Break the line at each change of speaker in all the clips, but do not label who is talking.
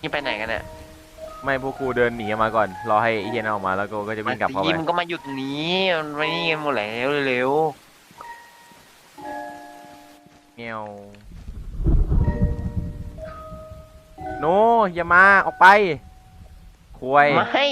นี่ไปไหนกันเนี่ย
ไม่พวกกูเดินหนีมาก่อนรอให้ไอ้เฮียนนออกมาแล้วกูก็จะวิ่งกลับเข้าไป
มันก็มาหยุดตรงนี้มันไม่นี่กันหมดแล้วเร็ว
เงี้ยวโนอย่ามาออกไปคุย
ๆไม่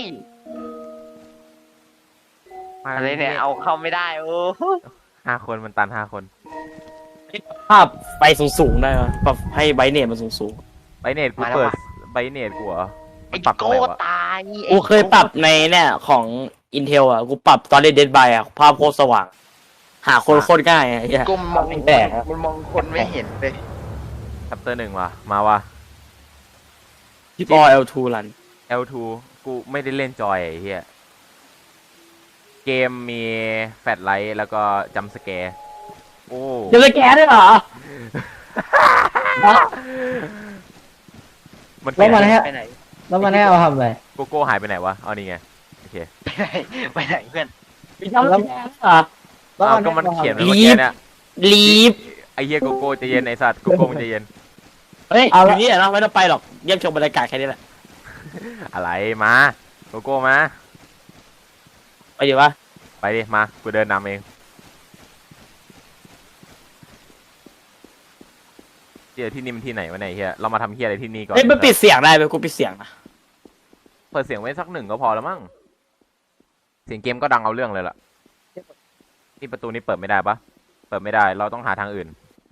อะไรเนี่ยเอาเข้าไม่ได้โอ้
5 คนมันตัน5 คน
ภาพไปสูงๆได้ไหมปรับให้ไบเนตมันสูง
ไบเนตกูเปิดไบเนตกูเหรอ
ไอ้
ปรับตรง
โก้
ไหนวะ
ตาย
ๆกูเคยปรับในเนี่ยของ Intel อ่ะกูปรับตอนเล่น Dead by อ่ะภาพโคตรสว่างหาคนโคตรง่ายอ่ะเหี้ย
ก้มมอง
แปลกๆครับ
มันมองคนไม่เห็นเลย
ชัปเตอร์1ว่ะมาว่ะ
ที่ปอ L2 รัน
L2 กูไม่ได้เล่นจอยไอ้เหี้ยเกมมีแฟลชไลท์แล้วก็จัมป์สแกร์โอ้
จะสแกนได้เหรอ
มัน
แล้วมันให้
ไปไหน
แล้วมันให้เอาทำอะไร
โกโก้หายไปไหนวะเอานี่ไงโอเค
ไปไหนเพื่อน
มีทำแล้วเหรอ
แล้ว
อ้าว
มัน
ก็มัน
ให้
เขียน
อา
ไว้
ทำอะไร
เมื่อกี้เนี่ย
ลีฟ
ไอ้เหี้ยโกโก้ใจะเย็นไอ้สัตว์โกโก้มันใจะเย็น
เฮ้ยอยู่นี่แหละเนาะไม่ต้องไปหรอกเยี่ยมชมบรรยากาศแค่นี้แหละ
อะไรมาโกโก้มา
ไปดีวะ
ไปดิมากูเดินนำเองเดี๋ยวที่นี่มันที่ไหนวะเนี่ยไอ้เฮียเรามาทำเฮียอะไรที่นี่ก่อน
เฮ้ยมันปิดเสียงได้ไหมกูปิดเสียงนะ
เปิดเสียงไว้สัก1ก็พอแล้วมั้งเสียงเกมก็ดังเอาเรื่องเลยล่ะนี่ประตูนี้เปิดไม่ได้ปะเปิดไม่ได้เราต้องหาทางอื่น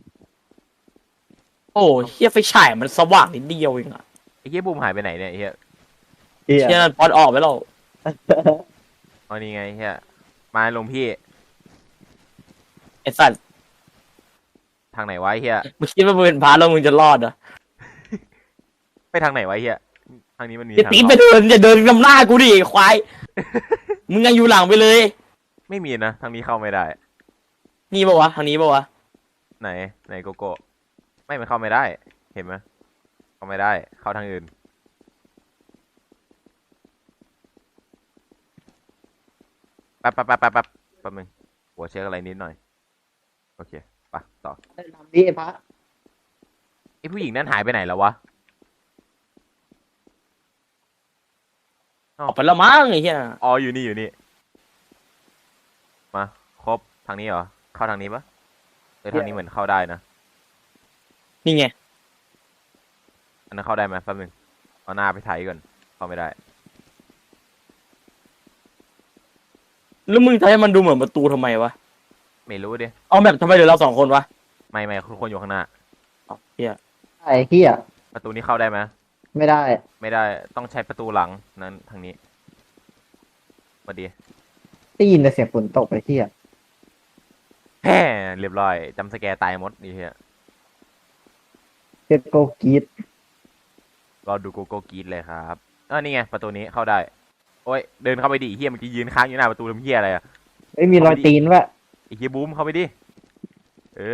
โอ้เฮียไฟฉายมันสว่างนิดเดียวเองอะ
ไอ้เฮียบูมหายไปไหนเนี่ยไอ้เฮีย
เหี้ย
เฮียนั่นปอนออกไปแล้ว
อ๋อนี่ไงเฮียมาลงพี่
ไอ้สัตว์
ทางไหนวะไอ้เฮีย
มึงคิดว่ามึงเป็นพาร์ทแล้วมึงจะรอดเหรอ
ไปทางไหนวะไอ้เฮียทางนี้มันมี
อย่า
ทาง
ตี
อ
ไป
อก
เดินอย่าเดินนำหน้ากูดิไอ้ควาย มึงยังอยู่หลังไปเลย
ไม่มีนะทางนี้เข้าไม่ได้
นี่ปะวะทางนี้ปะวะ
ไหนโกโก้ไม่มันเข้าไม่ได้เห็นไหมเข้าไม่ได้เข้าทางอื่นแป๊บนึงหัวเช็คอะไรนิดหน่อยโอเคไปต่อ
ทำดิไอ้พระ
ไอผู้หญิงนั้นหายไปไหนแล้ววะ
ออกไปแล้วมั้งไอ้เหี้ย
อ๋ออยู่นี่มาครบทางนี้เหรอเข้าทางนี้ปะทางนี้เหมือนเข้าได้นะ
นี่ไง
อันนั้นเข้าได้ไหมแป๊บนึงเอาหน้าไปถ่ายก่อนเข้าไม่ได้
แล้วมึงทำให้มันดูเหมือนประตูทำไมวะ
ไม่รู้ดิ
เอาแบบทำไมเหลือเรา2 คนวะ
ไม่คนอยู่ข้างหน้า
เอาเหี้ย
ไอ้เหี้ย
ประตูนี้เข้าได้ไหม
ไม่ได้
ไม่ได้ต้องใช้ประตูหลังนั้นทางนี้มาดี
ได้ยินแต่เสียงฝนตกไอ้เหี้ย
แฮ่เรียบร้อยจำสแกร์ตายหมดนี่เฮีย
เจ็ดโกกีด
รอดูโกโก้กรีดเลยครับนี่ไงประตูนี้เข้าได้โอ้ยเดินเข้าไปดิเฮียเมื่อกี้ยืนค้างอยู่หน้าประตูทำเฮียอะไรอะ
ไม่มีรอยตีนวะ
ไอ้เฮียบูมเข้าไปดิเออ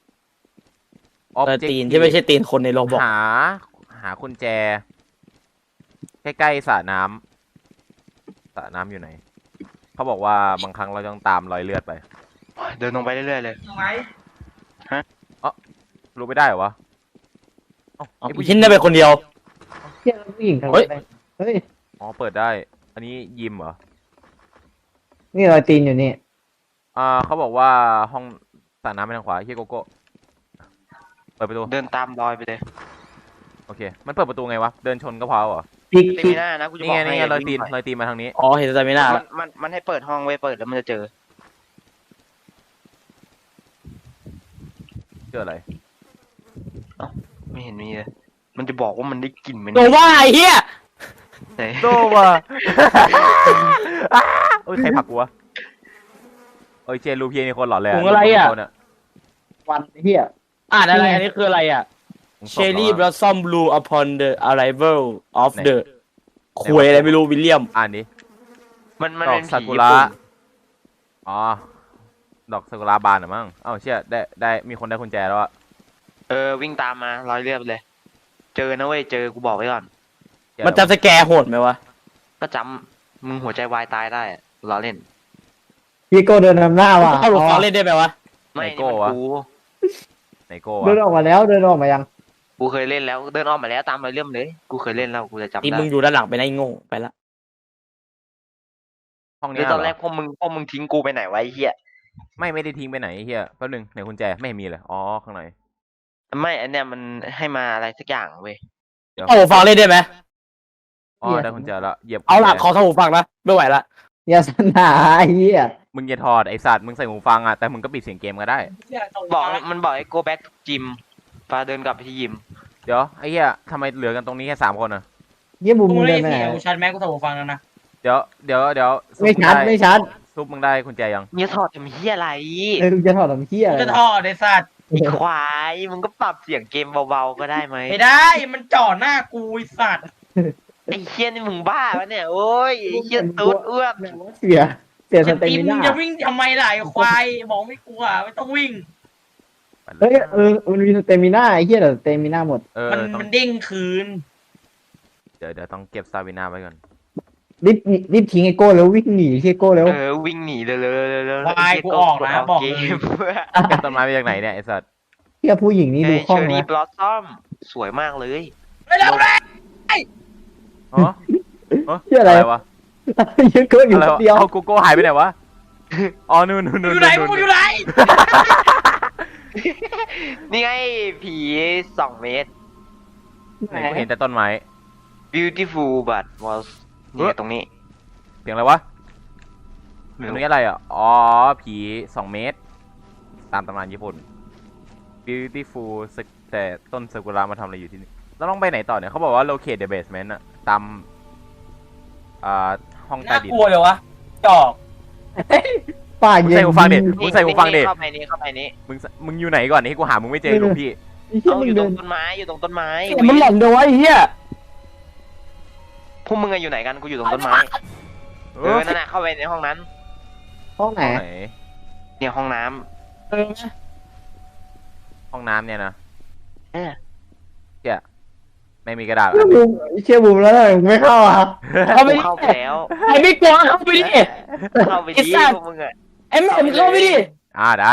ตีนที่ไม่ใช่ตีนคนในโลบอก
หากุญแจใกล้ๆสระน้ำอยู่ไหนเขาบอกว่าบางครั้งเราต้องตามรอยเลือดไป
เดินลงไปเรื่อยๆเลย
รู้ไม่ได้เหรอวะไอ้ผู้หญิ
ชิ้
ง
นได้ไปคนเดียว
เหี้ยแล้วผู้หญิงทำ
เฮ้ย
อะไรเฮ้ย
อ๋อเปิดได้ อันนี้ยิมเหรอ
นี่รอยตีนอยู่นี่
เขาบอกว่าห้องสระน้ำไปทางขวาเฮียโกโก้เปิดประตู
เดินตามรอยไปเลย
โอเคมันเปิดประตูไงวะเดินชนก็พอเหรอ
พลิก
เต็
พลิ
ม
ก
หน้านะกูจะ
นี่
บอ
ไง
กให้
รอยตีนมาทางนี้
อ๋อเห็นใจไม่น่าละ
มันให้เปิดห้องไว้เปิดแล้วมันจะเจอ
เจออะไร
ไม่เห็นมีเลยมันจะบอกว่ามันได้กลิ่นมัน
โดว่าไอ้เหี้ย
ไหน
โดว่ะ เอ้ยใครผลักกูวะเอ้ยเจนรูปเพียนี่คนหล่อเลย
ถุงอะไรอ่ะ
รูปคน
วันไอ้เหี้ย
อ่านอะไรอันนี้คืออะไรอ่ะ
ถุงศพ
Cherry
หรอวะ
blossom blue upon the arrival of
ไหน
the ควยอะไรไม่รู้วิลเลียม
อ่านดิ
มัน
ดอ
เป็
ก
น
ซา
ผี
กุ
ญี่
ระ
ปุ่น
อ๋อดอกซากุระบานเหรอมั้งเอ้าเชี่ยได้มีคนได้กุญแจแล้วอะ
วิ่งตามมารอยเลือดไปเลย เจอนะเว้ยเจอกูบอกไว้ก่อน
เชี่ย
มันจะสแกร์โหดไหมวะ
ก็จำมึงหัวใจวายตายได้อะล้อเล่น
พี่โก้เดินนำหน้าว่ะ
เข้าหลบ
อ๋
ฟั
อง
เล่นได้ไหมวะ
ไม่นี่มันกู
ไหนโก้
เดิน
วะ
ออกมาแล้วเดินออกมายัง
กูเคยเล่นแล้วเดินอ้อมมาแล้วตามรอยเลื่อมเลยกูเคยเล่นแล้วกูจะจำ
ที่
ได้
มึงอยู่ด้านหลังไปนะไอ้โง่ไปละ
ห้อง
หรื
เนี้
อย ตอน
เห
แร
ร
กพวกมึงทิ้งกูไปไหนไวะไอ้เฮีย
ไม่ได้ทิ้งไปไหนไอ้เฮียแป๊บนึงไหนกุญแจไม่เห็นมีเลยอ๋อข้างใน
ไม่อันเนี้ยมันให้มาอะไรสักอย่างเว้ย
เอาหูฟังเล่นได้ไหม
อ๋อได้กุญแจละเหยียบ
เอาล่ะ
กุญแจ
ขอทำหูฟังนะไม่ไหวละ
อย่าสนาไอ้เหี้ย
มึงอย่าถอดไอสัตว์มึงใส่หูฟังอ่ะแต่มึงก็ปิดเสียงเกมก็ได้
บอกมันบอกให้ go back to gym ฟ้าเดินกลับไปที่ยิม
เดี๋ยวไอ้เหี้ยทำไมเหลือกันตรงนี้แค่3 คนอ่ะ
เหี้ยบุม
กู
มึง
ไม่
เดิ
ได้
นไป
เสี
ไหน
ยกูชัดแม็กกูถอดหูฟังแล้วนะ
เดี๋ยวซุป
ไม่
มึง
ชัด
ได้
ไม่ชัด
ซุปมึงได้กุญแจยัง
เนี่ยถอดทำเฮียอะไร
มึงจะถอดทำเหี้ย
กู
อะไร
จะถอดไอ้สัตว์
ไอ้ควายมึงก็ปรับเสียงเกมเบาๆก็ได้ไหม
ไม่ได้มันจ่อหน้ากูไอ้สัตว์
ไอ้เฮียนี่มึงบ้าปะเนี่ยโอ้ยไอ้เฮียตูดอ้วน
เสียส
จะ
เต
ตี
มิ
มึง
น่า
จะวิ่งทำไมล่ะไอ้ควายบอกไม่กลัวไม่ต้องวิ่ง
เฮ้ยมันมีสเตมิน่าไอ้เหี้ยแต่สเตมิน่าหมด
มัน
ต้อง
มันเด้งคืน
เดี๋ยวต้องเก็บสตาวินาไว้ก่อน
รีบทิ้งไอ้โก้แล้ววิ่งหนีที่โก้แล้ว
วิ่งหนีเลย
ควายกูออกนะบอกเลย
เก็บต้นไม้มาจากไหนเนี่ยไอสัตว์
เหี้ยผู้หญิงนี่ดู
ไอ้
คล่
เช
อง
อรี่
นะ
บลอสซอมสวยมากเลย
ไม่เร็วเลย
อ๋อ
เหี้ยอะไร
วะ
เหี้ยโก้อยู่
อะไร
คน
วะ
เดียว
เอาโกโก้หายไปไหนวะอ๋อนู่น
มึงอยู่ไหนมึงอยู่ไหน
นี่ไงผี2 เมตร
ไหนกูเห็นแต่ต้นไม้
beautiful but was เนี่ยตรงนี้
เสียงอะไรวะตรงนี้อะไรอ่ะอ๋อผี2 เมตร ตามตำนานญี่ปุ่น beautiful แต่ต้นซากุระมาทำอะไรอยู่ที่นี่เราต้องไปไหนต่อเนี่ยเขาบอกว่า locate the basement อะตามห้องใต้
น่า
ดิน
กลัวเลยวะจอก
ปาก
มึง
เย็
ใส่
น
หูฟังดิมึงใส่หูฟังดิ
เข้าไปนี้เข้าไปนี้
มึงอยู่ไหนก่อนนี่กูหามึงไม่เจอหลวงพี่
ไอ้เหี้ย
เอา
มึ
อง ยู่ต
เดิ
รง
น
ต้นไม้อยู่ตรงต้นไม้
มันหล่อนเดียววะไอ้เหี้ย
พวกมึงอะอยู่ไหนกันกูอยู่ตรงต้นไม้นั่นน่ะเข้าไปในห้องนั้น
ห้องไหน
ห้องไหน
เนี่ยห้องน้ำ
เออ
ห้องน้ำเนี่ยนะ
เออ
เชี่ยไม่มีกระดาษ
เชี่ยบุมเชี่ยบุมแล้วทำไมมึงไม่เข้าอ่ะ
เข้าไป
กู
ดิ
เข้าไปแล้ว
ไอ้ไม่กลัวเข้าไปดิ
เข้าไป
ไอ้
ดิ
สัตว์
พวกมึงอะ
ไอ้แม่มึงเข้าไปดิ
ได้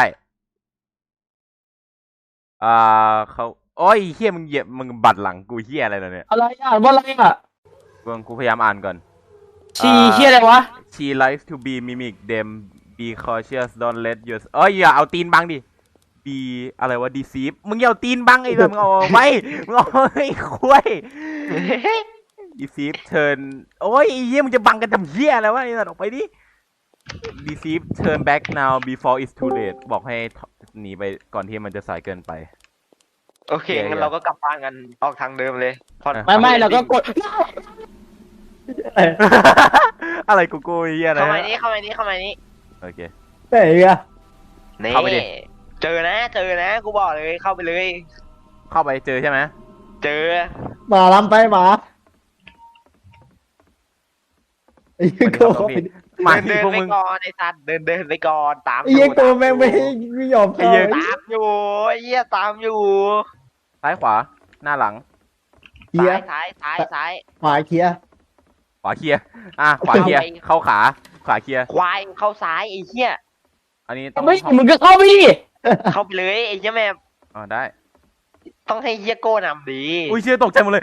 เขาโอ้ยเฮียมึงเหยียบมึงบัดหลังกูเฮียอะไรเนี่ย
อะไรอ่ะว่าอะไรอ่ะ
กูพยายามอ่านก่อน
ชีเหี้ยอะไรวะ
She likes to be mimic them be cautious don't let your เอ้ยอย่าเอาตีนบังดิ be อะไรวะ deceive มึงอย่าเอาตีนบังไอ้แบบมึงเอาไม่มึงเอาไอ้คุย deceive turn โอ้ยไอ้เฮียมึงจะบังกันทำเฮียอะไรวะไอ้สัตว์ออกไปดิ deceive turn back now before it's too late บอกให้หนีไปก่อนที่มันจะสายเกินไป
โอเคงั้นเราก็กลับบ้านกันออกทางเดิมเลยพอ
ไม่เราก็กด
อะไรกูกูเฮียอะไร
เข้ามานี้เข้ามานี้เข้ามานี้
โอเค
ไหนอ่ะ
นี่
เข้าไปดิ
เจอนะกูบอกเลยเข้าไปเลย
เข้าไปเจอใช่ไหม
เจอ
หมาลำไปหมาไอ้เหี้ยโก้เข้าไปดิ
มา
เดิ
ที่
น
พวก
ไป
มึง
ก่อนไอ้สัตว์เดินไปก่อนตาม
ไอ้เหี้ยโก้แม่งไม่ยอมเข้า
ตามอยู่ไอ้เหี้ยตามอยู่
ซ้ายขวาหน้าหลัง
เคลียร์
ซ้าย
ขวาเคลียร์
ขวาเคลียร์ขวาเคลียร์เข้าขาขวาเคลียร์
ควายเข้าซ้ายไอ้เหี้ย
อันนี้ต้อง
ไม่มึงก็เข้าไปดิ
เข้าไปเลยไอ้เหี้ยแม่
ได้
ต้องให้เหี้ยโก้นำดี
อุ้ยเชี่ยตกใจหมดเลย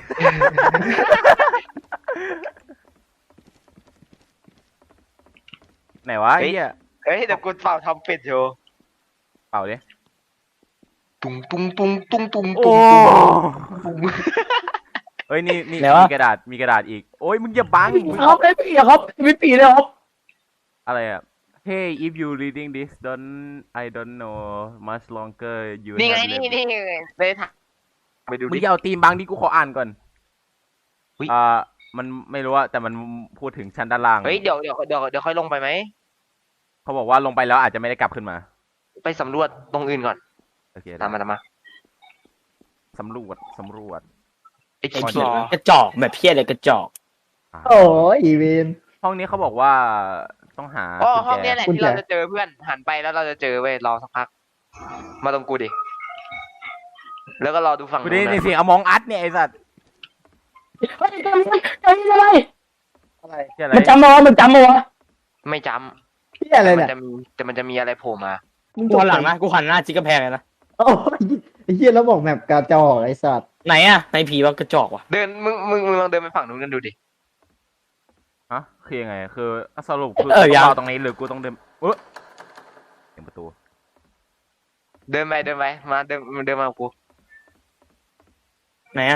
ไหนวะไอ้เหี้ย
เฮ้ยเดี๋ยวกูเป่าทำเป็ดโชว์
เปล่าดิ
ตุ้งตุ้งตุ้งตุ้งตุ้ง
โอ้
ตุ้ง
เฮ้ยนี่
ไหนวะ
มีกระดาษอีกโอ้ยมึงอย่าบังมึง
เขาไม่ปีอะครับไม่ปีเลยครับ
อะไรอ่ะ Hey if you reading this I don't know much longer you
นี่ไง
have
นี่
left
เลยถ่ายไปดู
มึง
ดิ
อย่าเอาตีนบังดิกูขออ่านก่อน
อุ๊ย
มันไม่รู้อะแต่มันพูดถึงชั้นด้านล่าง
เฮ้ยเดี๋ยวค่อยลงไปไหม
เขาบอกว่าลงไปแล้วอาจจะไม่ได้กลับขึ้นมา
ไปสำรวจตรงอื่นก่อน
โอเค
ตามมา
สำรวจ
ไอ้
ไอ้
จิ๊ก
เหี้
ซ
ย
อว์
กระจอกแบบเพี้ยอะไรกระจอก
โอ้ยอีเวน
ห้องนี้เขาบอกว่าต้องหา
อ๋อ
กุญ
ห้อง
แจ
เนี้ยแหละ
กุญ
ที่
แจ
เราจะเจอเพื่อนหันไปแล้วเราจะเจอเว้ยรอสักพัก มาตรงกูดิ แล้วก็รอดูฝั่ง
กู
นู้
ได้
น
ใน
นะ
เสียงอมองอัดเนี่ยไอ้สัตว์
เฮ้ยจำอะไร
อะไร
เหี้ยอะไร
มันจำมาวะมันจำมาวะ
ไม่จ
เหี้ย
ำ
อะไร
แต่
เนี่ย
มันจะมีอะไรโผล่มา
มึง
กูหันหลังนะกูหันหน้าจิกกระแพงเลยนะ
โอ้ยอ้เหี้ยแล้วบอกแมปกาจอกไอ้สัตว์
ไหนอะในผีว่ากระจอกว่ะ
เดินมึงลองเดินไปฝั่งนู้นกันดูดิ
ฮะคือยังไงคือสรุปคือ
ยัง
กูต้องรอตรงนี้หรือกูต้องเดินเสียงประตู
เดินไปมาเดินมากับกู
ไหนอะ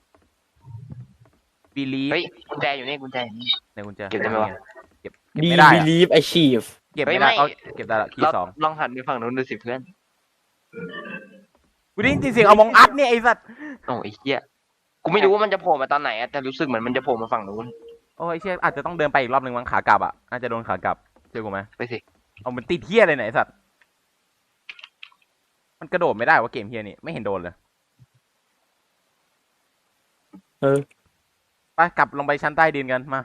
บีลีฟ
เฮ้ยกุญแจอยู่นี่กุญแจอยู่นี่
ในกุญแจ
เก็บได้ไหมวะ
เก็บ
ดี
ไม่ได้
บี
อะ
ลีฟไอชีฟ
เก็บ
เฮ้ย
ไม่ได้
ไม่
เอาเก็บได้ละคีย์สอง
ลองหันไปฝั่งนู้นดูสิเพื่อน
กูได้ยินเสียงเอามองอัดเนี่ยไอ้สัตว์
โอ้ยไอ้เหี้ยกูไม่รู้ว่ามันจะโผล่มาตอนไหนอะแต่รู้สึกเหมือนมันจะโผล่มาฝั่งนู้น
โอ้ยเชี่ยอาจจะต้องเดินไปอีกรอบหนึ่งมั้งขากลับอ่ะน่าจะโดนขากลับเจอกูไหม
ไปสิ
เอามันติดเฮียเลยไหนยไอ้สัตว์มันกระโดดไม่ได้ว่าเกมเฮียนี่ไม่เห็นโดนเลย
เออ
ไปกลับลงไปชั้นใต้ดินกันมา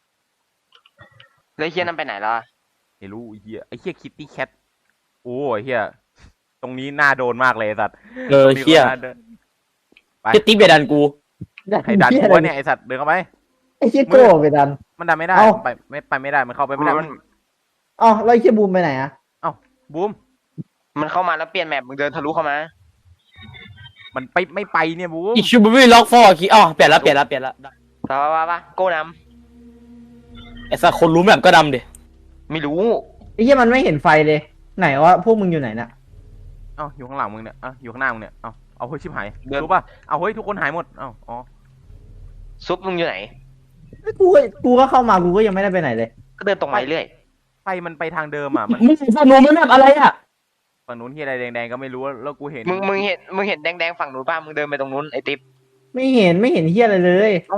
แล้วไอ้เหี้ยนั่นไปไหนล่ะ
ไม่รู้ไอ้เฮียคิตตี้แคทโอ้ยเฮียตรงนี้น่าโดนมากเลยไอ้สัตว์
เออ
ตรงนี้
เชี่ย
ก็น่าเดิน ไป
เจติ๊บเบดันกู
ให้ดัน
เหี้ย
กู
อะไร
วะเนี่ยไอ้สัตว์เดินเข้าไป
ไอ้เหี้ยโก้ไปดัน
มันดันไม่ได้
เอ้า
มันไปไม่ได้มันเข้าไปไม่ได้
มัน
เอ้าแล้วไอ้เหี้ยบูมไปไหนอะ
บูม
มันเข้ามาแล้วเปลี่ยนแมปมึงเดินทะลุเข้ามา
มันไปไม่ไปเนี่ยบูม
อีชูบูบี้ล็อกฟอร์คีอ๋อเปลี่ยนละได้
ไปโก้น
ไอ้สักคนรู้แบบก็ดำดิ
ำไม่รู้
ไอ้เหี้ยมันไม่เห็นไฟเลย ไหนวะพวกมึงอยู่ไหนน่ะ
เอ้าอยู่ข้างหลังมึงเนี่ยอยู่ข้างหน้ามึงเนี่ยเอาเฮ้ยชิบหายรู้ป่ะเอาเฮ้ยทุกคนหายหมดอ๋อ
ซุปมึงอยู่ไหน
กูก็เข้ามากูก็ยังไม่ได้ไปไหนเลย
ก็เดินตรงไปเรื่อย
ไฟมันไปทางเดิมอ่ะมัน
มึงสนุกมันแบบอะไรอะ
ฝั่งนู้นที่อะไรแดงๆก็ไม่รู้แล้วกูเห็น
มึงเห็นแดงๆฝั่งนู้นป่ะมึงเดินไปตรงนู้นไอ้ติ๊บ
ไม่เห็นเหี้ยอะไรเลย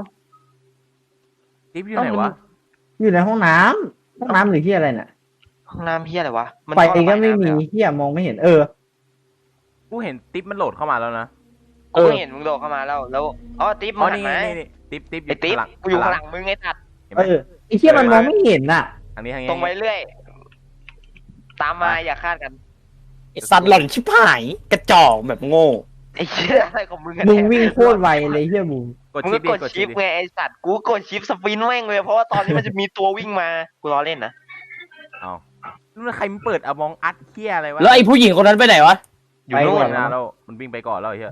ติ๊บอยู่ไหนวะ
อยู่ในห้องน้ำหรือเหี้ยอะไรน่ะ
ห้องน้ำเหี้ยอะไรวะมัน
ไฟ
ท่อระบาย
ก็ไม่
น้ำ
มี
เลยเหรอ
เหี้ยมองไม่เห็น
กูเห็นติ๊บมันโหลดเข้ามาแล้วนะ
กูก็เห็นมึงโดดเข้ามาแล้วอ๋อติ๊บ
อ๋
มึ
อง
หัน
นี่
มา
นี่ติ๊บ
ไอ้ติ๊บกูอยู่ข้างหลังมึงไอ้ตัด
เห็นไหม
ไอ้เหี้ยมันมองไม่เห็นน่ะ
ทางนี้
ตรงไปเรื่อย ตามมาอย่าคาดกัน
ไอ้สัตว์หล่อนชิบหายกระจอกแบบโง่
ไอ้เหี้ยอะไรของมึงอะ
มึง
เนี่ย
วิ่งโคตรไวเลยเหี้ยบูม
กด
มึง
ชิ
ก็
ปดิ
กดชิป
ดิ
ไงไอ้สัตว์กูกดชิปสปินแม่งเลยเพราะว่าตอนนี้มันจะมีตัววิ่งมากูล้อเล่นนะ
เอาแล้วใครมันเปิดมองอัดเฮียอะไรวะ
แล้วไอ้ผู้หญิงคนนั้นไปไหนวะ
อยู่นู่
ไป
น
นะแล้วมันวิ่งไปก่อนแล้วไอ้เฮีย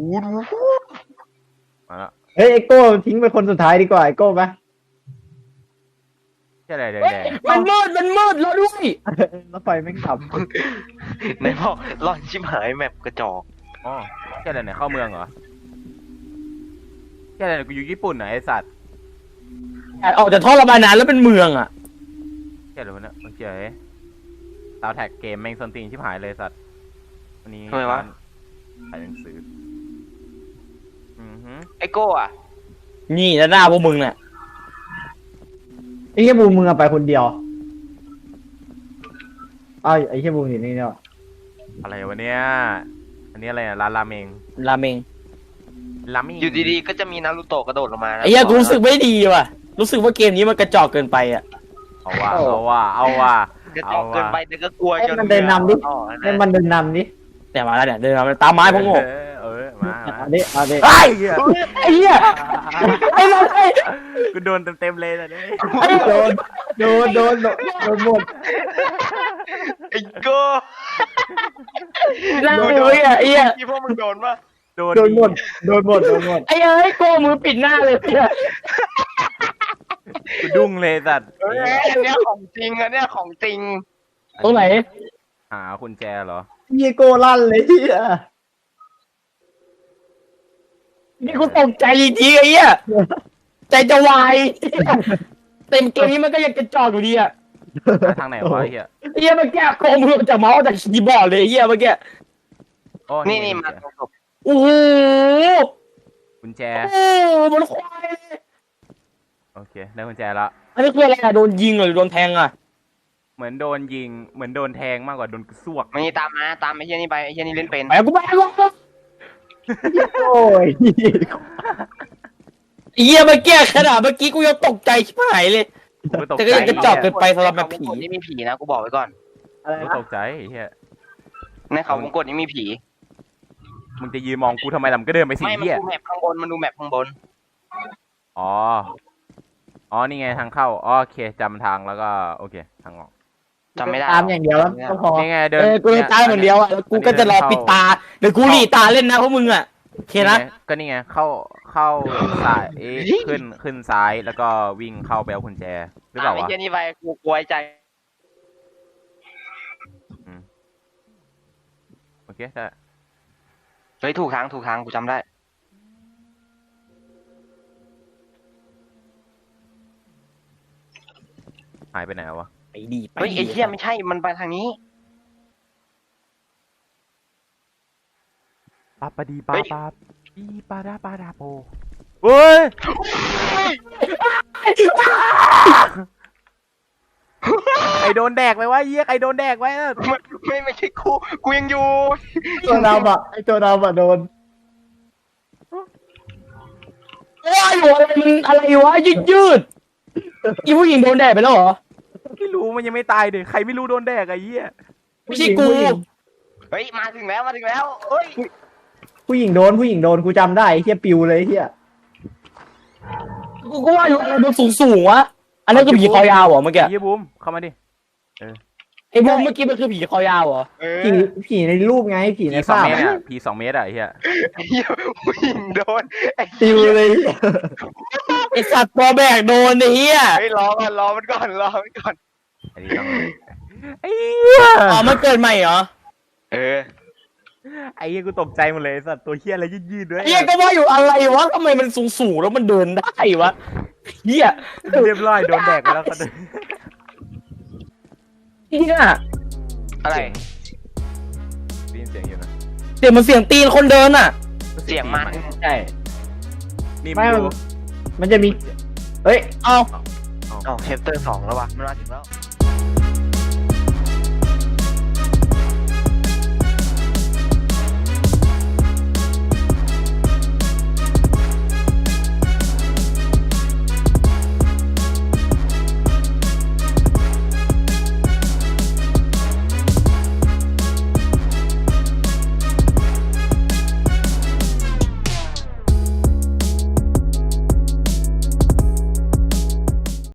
มาแล้ว
เฮ้ยไอโก้ทิ้งไปคนสุดท้ายดีกว่าไอโก้ปะ
เฮียอะไรแดง
มันมืดแล้วด้วย
รถไฟแม่งขับ
ไหนบอกหลอนชิบหายแมปกระจอก
ๆอ๋อเฮียอะไรเนี่ยเข้าเมืองเหรอเฮียอะไรเนี่ยกูอยู่ญี่ปุ่นเหรอไอ้สัตว์
ออกจากท่อระบายน้ำแล้วเป็นเมืองอ่ะ
เฮียอะไรวะเนี่ยโอเคตาวแท็กเกมแม่งส้นตีนชิบหายเลยสัตว์วันนี้
ทำไมวะ
ถ่ายหนังสือฮึ
ไอ้โก้อะ
นี่แล้วหน้าพวกมึงน่ะ
ไอเหี้ยบูมมึงอะไปคนเดียวอ้าวไอเหี้ยบูมอยู่นี่เนี่ย
อะไรวะเนี่ยอันนี้อะไรอะร้านราเมง
ราเมง
ราเมง
อยู่ดีๆก็จะมีนารูโตะกระโดดลงมานะ
ไอ้เหี้ยกูรู้สึกไม่ดีว่ะ รู้สึกว่าเกมนี้มันกระจอกเกินไปอ่ะ
เอาว่ะ
กระจอกเกินไปแต่ก็กลัวจน
มันเดินนำดิ
อ๋อ
ให้มันเดินนำดิ
แต่มาแล้วเนี่ยเดินมาตามไม้พวกโง่
มา
เอาดิเอาดิ
ไอ้เหี้ยไอ้เหี้ยไอ้เราไอ้
กูโดนเต็มเลยนะเนี่ย
โดนหมด
ไอ้โก้
เราไอ้เหี้ย
ที่พวกมึงโดนปะ
โดนหมด
ไอ้เอ้ยโก้มือปิดหน้าเลยเนี่ย
กูดุ้งเลยสัตว์
เอ้ยอันเนี้ยของจริงอันเนี้ยของจริง
ตรงไหน
หากุญแจเหรอ
เหี้ยโก้ลั่นเลยเหี้ย
นี่กูตกใจจริงๆไอ้เหี้ยใจจะวายเต็มเกมนี้มันก็ยังกระจอกอยู่ดีอ่ะ
หาทางไหนวะไอ้เหี้ย
ไอ้เหี้ยเมื่อกี้โกงมือจากเมาส์จากคีย์บอร์ดเลยไอ้เหี้ยเมื่อกี้
โอ้
นี่มาตรงศพ
โอ้โห
กุญแจ
โอ้โหมันควายเลย
โอเคได้กุญแจละ
อันนี้คืออะไรอะโดนยิงหรือโดนแทงอะ
เหมือนโดนยิงเหมือนโดนแทงมากกว่าโดนกระซวก
มันนี่ตามไอ้เหี้ยนี่ไปไอ้เหี้ยนี่เล่นเป็น
ไปกูไปกู
โอ้ย
ไอ้เหี้ยเมื่อกี้ขนาดเมื่อกี้กูยังตกใจชิบหายเลย
กูตก
แต่
ใจ
ก็ยังกระจอกเกินไปสำหรับแบบผี
ในเขาวงกตนี่มีผีนะกูบอกไว้ก่อน
อะไร
กู
นะ
ตกใจไอ้เหี้ย
ในเขาวงกตนี่มีผี
มึงจะยืนมองกูทำไมล่ะมึงก็เดินไปสิ
ไม่มัน
เหี้ย
ดูแมพข้างบนมันดูแมพข้างบน
อ๋อนี่ไงทางเข้าโอเคจำทางแล้วก็โอเคทางออก
จำไม่ได้
ตามอย่างเดียวแล้วก็พอ
นี่ไงเดิน
กูเลยตายเหมือนเดียวอะแล้วกูก็จะรอปิดตาดี๋ยวกูหลีตาเล่นนะพวกมึงอ่ะโอเคนะ
ก็นี่ไงเข้าซ้ายขึ้นซ้ายแล้วก็วิ่งเข้าไปเอากุญแจหรือเปล่า
ไอ้
วะ
เจนี่ไปกูกลัวใจ
โอเคได้
เฮ้ยถูกทางกูจำได้
หายไปไหนวะ
ไปดีไป
เฮ้ยไอ้เหี้ยไม่ใช่มันไปทางนี้
ปาปาดีปาปาปีปาดาปาดาโปเฮ้ยไอโดนแดกไปวะเยี่ยไอโดนแดกไว้อะ
ไม่ใช่กูยังอยู่
ตัวดำอ่ะไอตัวดำอ่ะโดน
ว้ายอะไรมันอะไรวะยืดอีผู้หญิงโดนแดดไปแล้วเหรอ
ไม่รู้มันยังไม่ตายเลยใครไม่รู้โดนแดกไอ้เหี้ย
ไม่ใช่กู
เฮ้ยมาถึงแล้วเฮ้ย
ผู้หญิงโดนกูจำได้ไอ้เฮียปิวเลยไอ้เฮีย
กูก็ว่าอยู่อะไรมันสูงวะอันนั้นคือผีคอยาวเหรอเมื่อกี้
เยี่ยบูมเข้ามาดิ
ไอ้พวกเมื่อกี้มันคือผีคอยาวเหรอ
ผีในรูปไงผีใน
ผี2
ภาพ
เมตรอะผี2 เมตรอะไอ้เหี้ย
ไอ้เหี้ยผู้หญิงโดนไอ้
ปิวเลย
ไอสัตว์ตัวแบกโดนไอ้เหี้ย
เฮ้ยรอมันก่อน
ไอ้นี่ต้องไอ้เหี้ย
อ๋อมันเกิดใหม่เหรอ
เออ
ไอ้เหี้ยกูตกใจหมดเลยไอ้สัตว์ตัวเหี้ยอะไรยืดๆด้วย
ไอ้เหี้ยก็ว่าอยู่อะไรวะทำไมมันสูงแล้วมันเดินได้วะเหี้ย
เรียบร้อยโดนแดกไปแล้วก็เดิน
เหี้ย
อะไร
ได้ยินเสียงอยู่นะ
เสียงมันเสียงตีนคนเดินอ่ะ
เสียงมัน
ใช่
นี่
ไม่
มึงดู
มันจะมีเฮ้ย
เอา
อ๋อเชปเตอร์ 2แล้ววะมันมาถึงแล้ว